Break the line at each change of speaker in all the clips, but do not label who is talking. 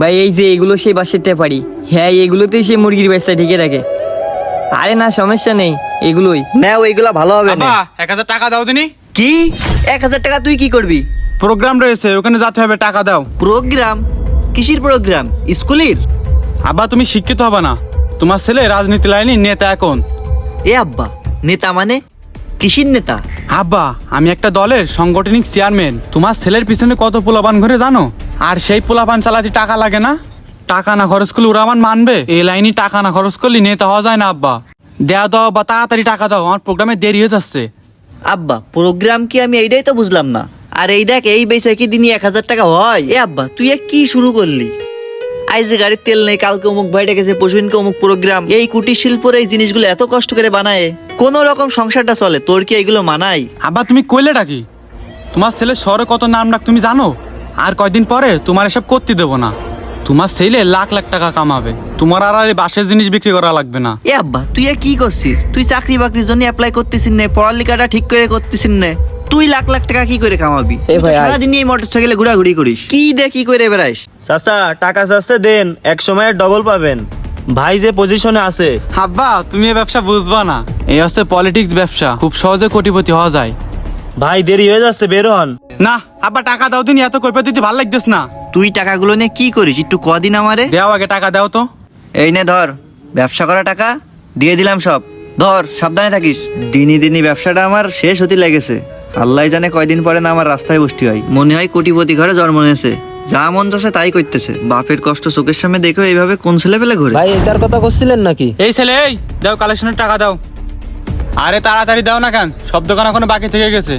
ভাই এই যে এগুলো সেই বাসের টেপারি, হ্যাঁ এগুলোতেই সে মুরগির ব্যবসা ঢেকে রাখে। আরে না সমস্যা নেই, এগুলোই
না ওইগুলা ভালো হবে না।
1000 টাকা দাও দিনি।
কি 1000 টাকা তুই কি করবি?
প্রোগ্রাম রয়েছে, ওখানে যেতে হবে, টাকা দাও।
প্রোগ্রাম? কিসের প্রোগ্রাম? স্কুলের?
আব্বা তুমি শিক্ষিত হবে না, তোমার ছেলে রাজনীতি লাইনে নেতা এখন।
এ আব্বা, নেতা মানে কিসের নেতা?
আব্বা আমি একটা দলের সাংগঠনিক চেয়ারম্যান। তোমার ছেলের পিছনে কত পোলাপান ঘুরে জানো? আর সেই পোলাপান চালাতে টাকা লাগে না? টাকা না খরচ করলে ওরা আমার মানবে? এই লাইনে টাকা না খরচ করলে নেতা হওয়া যায় না আব্বা। দেওয়া দাও বা তাড়াতাড়ি টাকা দাও, আমার প্রোগ্রামে দেরি হয়ে যাচ্ছে।
আব্বা প্রোগ্রাম কি? আমি এইটাই তো বুঝলাম না। আর এই দেখ, এই বেচা কি দিনই 1000 টাকা হয়? এ আব্বা তুই কি শুরু করলি? আজ যে গাড়ির তেল নেই, কালকে অমুক ভাই ডেকেছে, পরশুদিনকে অমুক প্রোগ্রাম। এই কুটির শিল্পর এই জিনিসগুলো এত কষ্ট করে বানায়, কোন রকম সংসারটা চলে? তোর কি এইগুলো মানায়?
আব্বা তুমি কইলেটা কি? তোমার ছেলে শহরে কত নাম ডাক তুমি জানো? আর কয়দিন পরে তোমার এসব করতে দেবো না। তোমার ছেলে লাখ লাখ টাকা কামাবে, তোমার আর এই বাসের জিনিস বিক্রি করা লাগবে না।
এ আব্বা তুই কি করছিস? তুই চাকরি বাকরির জন্য অ্যাপ্লাই করতেছিস না, পড়ালেখাটা ঠিক করে করতেছিস না, তুই লাখ লাখ টাকা কি করে কামাবি?
এ ভাই,
সারাদিন এই মোটরসাইকেলে ঘোরাঘুরি করিস, কি দে কি করে বেড়াইস?
চাচা টাকা চাচ্ছে দেন, এক সময় ডবল পাবেন। ভাই যে পজিশনে আছে।
আব্বা তুমি এই ব্যবসা বুঝবা না, এই হচ্ছে পলিটিক্স ব্যবসা, খুব সহজে কোটিপতি হওয়া যায়।
ভাই দেরি হয়ে যাচ্ছে, বের হন।
না আব্বা টাকা দাও দিন, এত কৈফিয়ত দিতে ভালো লাগতেছ না।
তুই টাকাগুলো নিয়ে কি করিস একটু কদিন আমারে?
দেও আগে টাকা দাও তো।
এই নে ধর, ব্যবসা করা টাকা দিয়ে দিলাম সব, ধর সাবধানে থাকিস। দিনই দিনই ব্যবসাটা আমার শেষ হতে লেগেছে, আল্লাহ জানে কয়দিন পরে না আমার রাস্তায় বসতে হয়। মনে হয় কোটিপতি ঘরে জন্ম নিয়েছে, যা মন চাচ্ছে তাই করতেছে। বাপের কষ্ট চোখের সামনে দেখো এইভাবে কোন ছেলে পেলে ঘুরে।
ভাই এটার কথা করছিলেন নাকি?
এই ছেলে এই দাও কালেকশনের টাকা দাও। আরে তাড়াতাড়ি দাও না কেন, সব দোকান এখনো বাকি থেকে গেছে।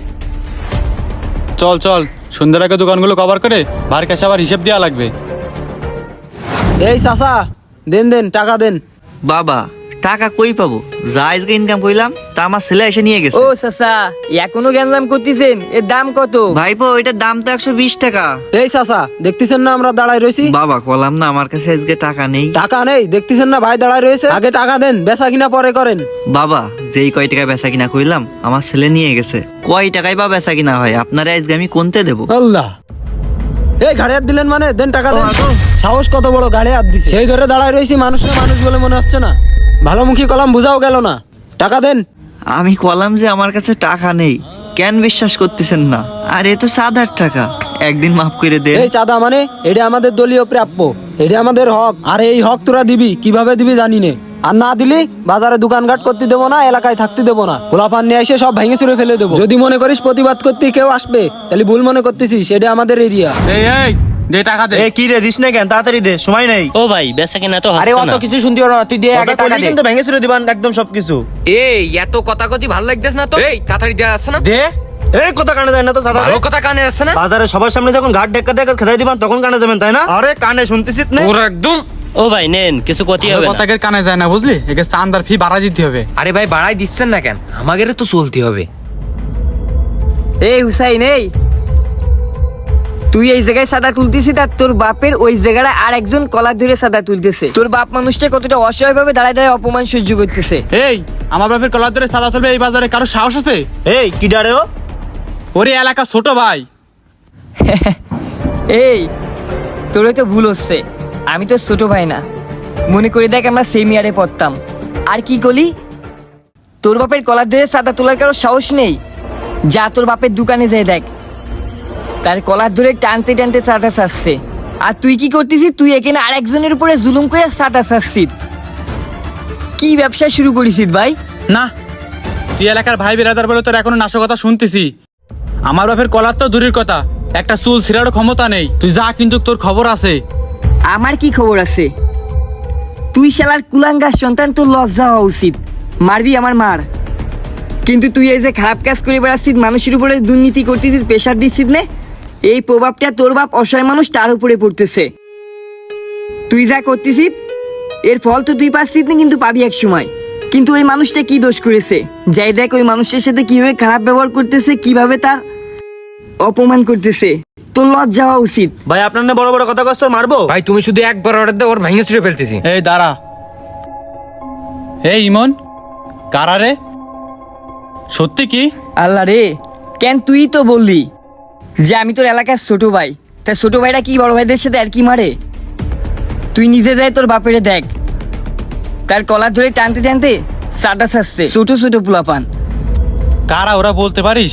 চল চল, সুন্দর আগে দোকানগুলো কভার করে ভার কাছে আবার হিসেব দেওয়া লাগবে।
এই চাচা দেন দেন টাকা দেন।
বাবা টাকা কই পাবো? যা আজকে ইনকাম করলাম তা আমার ছেলে এসে নিয়ে গেছে।
ও চাচা এখনো জ্ঞান করতেছেন, এর দাম কত?
ভাইপো এটার দাম তো 120 টাকা।
এই চাচা দেখতেছেন না আমরা দাঁড়ায় রয়েছি?
বাবা কলাম না আমার কাছে আজকে টাকা নেই।
টাকা নেই দেখতেছেন না ভাই দাঁড়ায় রয়েছে? আগে টাকা দেন, বেচা কিনা পরে করেন।
বাবা যেই কয় টাকা বেচা কিনা কইলাম আমার ছেলে নিয়ে গেছে, কয় টাকায় বা বেচা কিনা হয় আপনারা আজকে আমি কোনতে দেবো?
আল্লাহ, এই ঘাড়ে হাত দিলেন মানে দেন টাকা দেন।
ও, আগো।
সাহস কত বড়, ঘাড়ে হাত দিছে। সেই ধরে দাঁড়ায় রয়েছি, মানুষকে মানুষ বলে মনে হচ্ছে না? ভালোমুখী কলাম বুঝাও গেল না, টাকা দেন।
আমি কলাম যে আমার কাছে টাকা নেই, কেন বিশ্বাস করতেছেন না? আর এ তো 7,000 টাকা, একদিন মাফ করে দে।
এই চাঁদা মানে এটা আমাদের দলীয় প্রাপ্য, এটা আমাদের হক। আর এই হক তোরা দিবি, কিভাবে দিবি জানি নে। আর না দিলি বাজারে দোকানঘাট করতে দেবো না, এলাকায় থাকতে দেবো না, গোলাপান নিয়ে এসে সব ভেঙে চুরে ফেলে দেবো। যদি মনে করিস প্রতিবাদ করতে কেউ আসবে, তাহলে ভুল মনে করতেছিস, এটা আমাদের এরিয়া।
এই এই দে টাকা দে।
এ কি রে, দিস না কেন? তাড়াতাড়ি দে, সময় নেই।
ও ভাই বেচা কিনা তো
আরে
হচ্ছে
অত
না।
কিছু শুনতে পারো না, তুই দিয়ে আগে
কথা
টাকা
কইলি
দে।
কিন্তু ভেঙে চুরে দিবান একদম সবকিছু।
এই এত কথা কথি ভালো লাগতেছ না তো? এই তাড়াতাড়ি দেয়া আসছে না?
দে
এই কথা কানে যায় না তো চাচা?
ভালো কথা কানে আসছে না?
বাজারে সবার সামনে যখন ঘাট ডেকা ডেকা খেদাই দিবান তখন কানে যাবেন তাই না? আরে কানে শুনতেছিস না?
ওর একদম।
ও ভাই নেন, কিছু ক্ষতি হবে না।
কথাকে কানে যায় না বুঝলি, একে চান্দার ফি বাড়া দিতে হবে।
আরে ভাই বাড়াই দিচ্ছেন না কেন? আমাদেরও তো চলতে হবে।
এই হুসাইন এই, তুই এই জায়গায় সাদা তুলতেছিস আর তোর বাপের ওই জায়গায় আর একজন কলার ধরে সাদা তুলতেছে। তোর বাপ মানুষটা কতটা অসহায় ভাবে দাঁড়ায় দাঁড়ায় অপমান সহ্য করতেছে।
এই আমার বাপের কলার ধরে সাদা তুলবে এই বাজারে কারো সাহস আছে?
এই কি ডারে ও?
ওরে এলাকা ছোট ভাই।
এই তোর তো ভুল হচ্ছে, আমি তো ছোট ভাই না, মনে করে দেখ আমরা সেম ইয়ারে পড়তাম। আর কি করলি? তোর বাপের কলার ধরে সাদা তোলার কারো সাহস নেই? যা তোর বাপের দোকানে যাই দেখ, তার কলার ধরে টানতে টানতে চাটা চাচ্ছে। আর তুই কি করতেছিস? তুই এখানে আর একজনের উপরে জুলুম করে চাটা চাচ্ছিস। কি ব্যবসা শুরু করেছিস ভাই?
না তুই এলাকার ভাই বিরাদার বলে তোর এখনো নাশকতা শুনতেছি। আমার বাপের কলার তো দূরের কথা, একটা চুল ছিঁড়ারও ক্ষমতা নেই। তুই যা, কিন্তু তোর খবর আছে।
আমার কি খবর আছে? তুই শালার কুলাঙ্গার সন্তান, তোর লজ্জা হওয়া উচিত। মারবি আমার মার, কিন্তু তুই এই যে খারাপ কাজ করে বেড়াচ্ছিস, মানুষের উপরে দুর্নীতি করতেছিস, প্রেশার দিচ্ছিস না, এই প্রভাবটা তোর বাপ অসহায় মানুষ তার উপরে পড়তেছে। তুই যা করতেছিস এর ফল তো তুই পাচ্ছিস না, কিন্তু পাবি এক সময়। কিন্তু ওই মানুষটা কি দোষ করেছে? যাই দেখ ওই মানুষটার সাথে কিভাবে খারাপ ব্যবহার করতেছে, কিভাবে তার অপমান করতেছে। তোর লজ্জা হওয়া উচিত।
ভাই আপনার না বড় বড় কথা কষ্ট মারবো?
ভাই তুমি শুধু একবার অর্ডার দাও, ওর ভেঙে ছিঁড়ে ফেলতেছি।
এই দাঁড়া। এই ইমন কারা রে? সত্যি কি?
আল্লাহ রে, কেন তুই তো বললি যে আমি তোর এলাকার ছোট ভাই, তা ছোট ভাইরা কি বড় ভাইদের সাথে আর কি মারে? তুই নিজে যাই তোর বাপেরে দেখ, তার কলার ধরে টানতে টানতে সাটা ছাড়ছে ছোট ছোট পোলাপান।
কারা ওরা বলতে পারিস?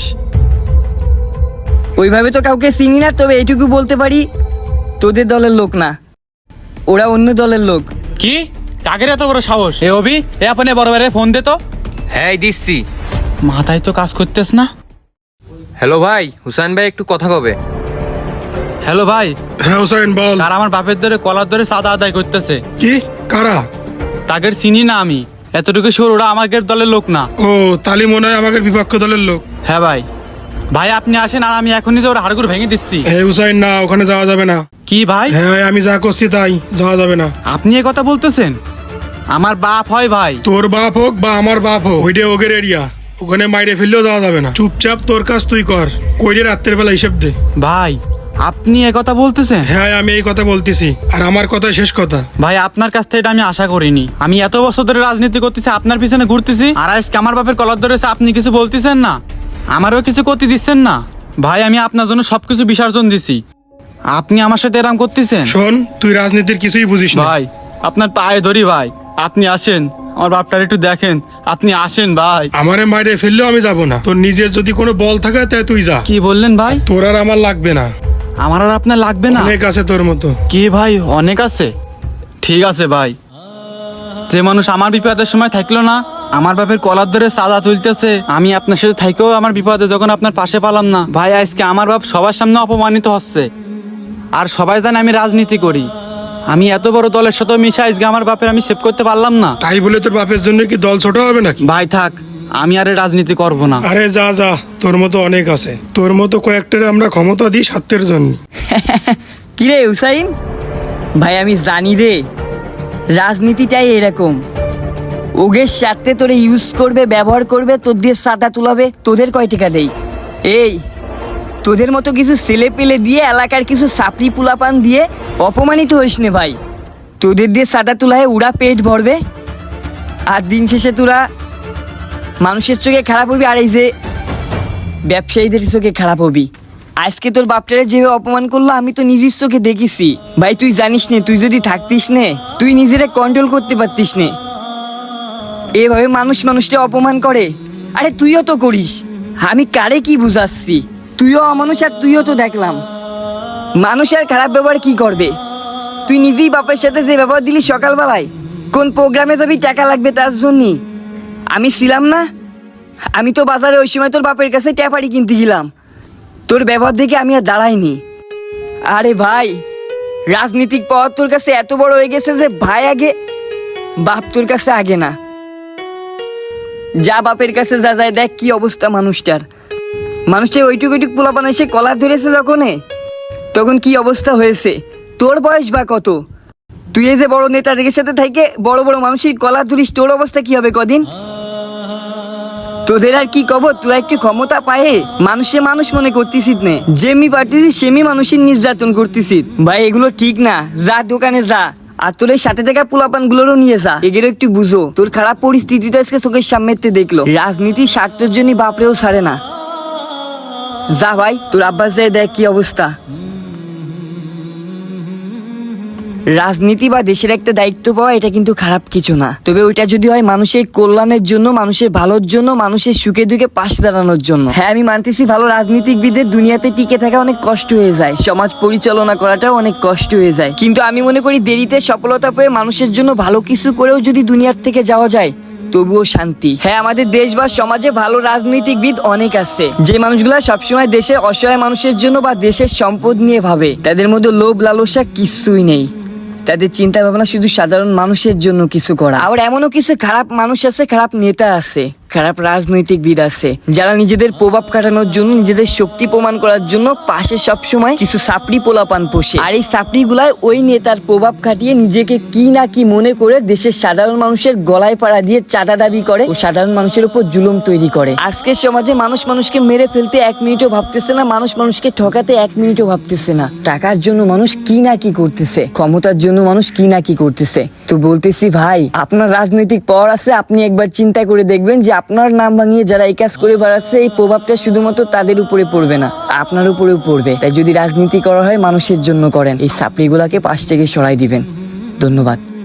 ওইভাবে তো কাউকে চিনি না, তবে এইটুকু বলতে পারি তোদের দলের লোক না, ওরা অন্য দলের লোক।
কি কাকের এত বড় সাহস? এ অভি, এ আপনি বড় ভাইরে ফোন দে তো।
হ্যাঁ দিচ্ছি।
মাথায় তো কাজ করতেছ না।
হ্যালো ভাই, হুসাইন ভাই একটু কথা কবে।
হ্যালো ভাই,
হ্যাঁ হোসেন বল।
কারা আমার বাপের ধরে কলার ধরে চাঁদা আদায় করতেছে।
কি কারা?
তাদের চিনি না আমি, এতটুকু শিওর ওরা আমাদের দলের লোক না।
ও তালি মনে হয় আমাদের বিপক্ষ দলের লোক।
হ্যাঁ ভাই, ভাই আপনি আসেন আর আমি এখনই যে ওর হাড়গুড় ভেঙে দিচ্ছি।
হে হুসাইন, না ওখানে যাওয়া যাবে না।
কি ভাই?
হ্যাঁ আমি যা করছি তাই, যাওয়া যাবে না।
আপনি এ কথা বলতেছেন? আমার বাপ হয় ভাই।
তোর বাপ হোক বা আমার বাপ হোক, ওইটা ওগের এরিয়া, ওখানে মাইরে ফেললেও যাওয়া যাবে না। চুপচাপ তোর কাজ তুই কর, কইরে রাত্রের বেলা হিসেব দে।
ভাই আপনি এ কথা বলতেছেন?
হ্যাঁ আমি এই কথা বলতেছি, আর আমার কথা শেষ কথা।
ভাই আপনার কাছ থেকে এটা আমি আশা করিনি। আমি এত বছর ধরে রাজনীতি করতেছি, আপনার পিছনে ঘুরতেছি, আর আজকে আমার বাপের কলার ধরেছে, আপনি কিছু বলতেছেন না, আমারও কিছু করতে দিচ্ছেন না। ভাই আমি আপনার জন্য সবকিছু বিসর্জন দিছি, আপনি আমার সাথে এরকম করতেছেন?
শোন, তুই রাজনীতির কিছুই বুঝিস না।
ভাই আপনার পায়ে ধরি ভাই, আপনি আসেন, আমার বাপটার একটু দেখেন, আপনি আসেন ভাই।
আমারে মাইরে ফেললেও আমি যাব না। তোর নিজের যদি কোনো বল থাকে তাই তুই যা।
কি বললেন ভাই?
তোর আর আমার লাগবে না,
আমার আর আপনার লাগবে না?
অনেক আছে তোর মতো।
কি ভাই অনেক আছে? ঠিক আছে ভাই, যে মানুষ আমার বিপদের সময় থাকলো না, আমার বাপের কলার ধরে সাদা তুলতেছে, আমি আপনার সাথে থাকেও আমার বিপদে যখন আপনার পাশে পালাম না, ভাই আজকে আমার বাপ সবার সামনে অপমানিত হচ্ছে। আর সবাই জানে আমি রাজনীতি করি, আমি এত বড় দলের সাথে মিশে আজকে আমার বাপের আমি সেভ করতে পারলাম না।
তাই বলে তোর বাপের জন্য কি দল ছোট হবে নাকি?
ভাই থাক, আমি আর এই রাজনীতি করব না।
আরে যা যা, তোর মতো অনেক আছে, তোর মতো কয়েকটারে আমরা ক্ষমতা দিই স্বার্থের জন্য।
কিরে হুসাইন ভাই, আমি জানি রে রাজনীতিটাই এরকম, ওগের স্বার্থে তোরে ইউজ করবে, ব্যবহার করবে, তোর দিয়ে সাদা তুলাবে, তোদের কয় টাকা দেই? এই তোদের মতো কিছু ছেলে পেলে দিয়ে, এলাকার কিছু সাপড়ি পুলাপান দিয়ে অপমানিত হইস নে ভাই। তোদের দিয়ে সাদা তুলায় উড়া পেট ভরবে, আর দিন শেষে তোরা মানুষের চোখে খারাপ হবি, আর এই যে ব্যবসায়ীদের চোখে খারাপ হবি। আজকে তোর বাপটারে যেভাবে অপমান করলো আমি তো নিজের চোখে দেখেছি ভাই। তুই জানিস নে, তুই যদি থাকতিস নে, তুই নিজেরে কন্ট্রোল করতে পারতিস নে। এভাবে মানুষ মানুষকে অপমান করে, আরে তুইও তো করিস, আমি কারে কি বুঝাচ্ছি? তুইও অমানুষ, আর তুইও তো দেখলাম মানুষ আর খারাপ ব্যবহার কি করবে। তুই নিজেই বাপের সাথে যে ব্যবহার দিলি সকালবেলায়, কোন প্রোগ্রামে যাবি টাকা লাগবে তার জন্যই, আমি ছিলাম না? আমি তো বাজারে ওই সময় তোর বাপের কাছে ট্যাপারি কিনতে গেলাম, তোর ব্যবহার দেখে আমি আর দাঁড়াইনি। আরে ভাই, রাজনীতিক পথ তোর কাছে এত বড় হয়ে গেছে যে ভাই আগে, বাপ তোর কাছে আগে না। যা বাপের কাছে যা যায়, দেখ কি অবস্থা মানুষটার। মানুষটা ওইটুক ওইটুক পোলাপান এসে কলার ধরেছে তখন কি অবস্থা হয়েছে। তোর বয়স বা কত? তুই এই যে বড় নেতাদের সাথে থেকে বড় বড় মানুষের কলার ধরিস, তোর অবস্থা কি হবে কদিন? তোদের আর কি কব, তোরা একটু ক্ষমতা পায়ে মানুষে মানুষ মনে করতেছিস নে, যেমি পারতেছিস সেমি মানুষের নির্যাতন করতেছিস। ভাই এগুলো ঠিক না, যা দোকানে যা, আর তোর এই সাথে থাকা পোলাপান গুলোরও নিয়ে যা, এগুলো একটু বুঝো। তোর খারাপ পরিস্থিতিটা আজকে চোখের সামনে দেখলো, রাজনীতির স্বার্থের জন্য বাপরেও ছাড়ে না। যা ভাই, তোর আব্বাস যায় দেখ কি অবস্থা। রাজনীতি বা দেশের একটা দায়িত্ব পাওয়া এটা কিন্তু খারাপ কিছু না, তবে ওইটা যদি হয় মানুষের কল্যাণের জন্য, মানুষের ভালোর জন্য, মানুষের সুখে দুঃখে পাশে দাঁড়ানোর জন্য। হ্যাঁ আমি মানতেছি ভালো রাজনীতিকবিদের দুনিয়াতে টিকে থাকা অনেক কষ্ট হয়ে যায়, সমাজ পরিচালনা করাটাও অনেক কষ্ট হয়ে যায়, কিন্তু আমি মনে করি দেরিতে সফলতা পেয়ে মানুষের জন্য ভালো কিছু করেও যদি দুনিয়ার থেকে যাওয়া যায় তবুও শান্তি। হ্যাঁ আমাদের দেশ বা সমাজে ভালো রাজনীতিবিদ অনেক আছে, যে মানুষগুলা সবসময় দেশের অসহায় মানুষের জন্য বা দেশের সম্পদ নিয়ে ভাবে, তাদের মধ্যে লোভ লালসা কিছুই নেই, তাদের চিন্তা ভাবনা শুধু সাধারণ মানুষের জন্য কিছু করা। আবার এমনও কিছু খারাপ মানুষ আছে, খারাপ নেতা আছে, খারাপ রাজনৈতিকবিদ আছে, যারা নিজেদের প্রভাব কাটানোর জন্য, নিজেদের শক্তি প্রমাণ করার জন্য পাশে সবসময় কিছু সাপড়ি পোলাপান পোষে, আর এই সাপড়ি গুলায় ওই নেতার প্রভাব খাটিয়ে নিজেকে কি না কি মনে করে দেশের সাধারণ মানুষের গলায় পাড়া দিয়ে চাঁদা দাবি করে ও সাধারণ মানুষের উপর জুলুম তৈরি করে। আজকের সমাজে মানুষ মানুষকে মেরে ফেলতে 1 মিনিটও ভাবতেছে না, মানুষ মানুষকে ঠকাতে 1 মিনিটও ভাবতেছে না। টাকার জন্য মানুষ কি না কি করতেছে, ক্ষমতার জন্য মানুষ কি না কি করতেছে। তো বলতেছি ভাই, আপনার রাজনৈতিক পাওয়ার আছে, আপনি একবার চিন্তা করে দেখবেন যে আপনার নাম ভাঙিয়ে যারা এই কাজ করে বেড়াচ্ছে, এই প্রভাবটা শুধুমাত্র তাদের উপরে পড়বে না, আপনার উপরেও পড়বে। তাই যদি রাজনীতি করা হয় মানুষের জন্য করেন, এই সাপড়িগুলাকে পাশ থেকে সরাই দিবেন। ধন্যবাদ।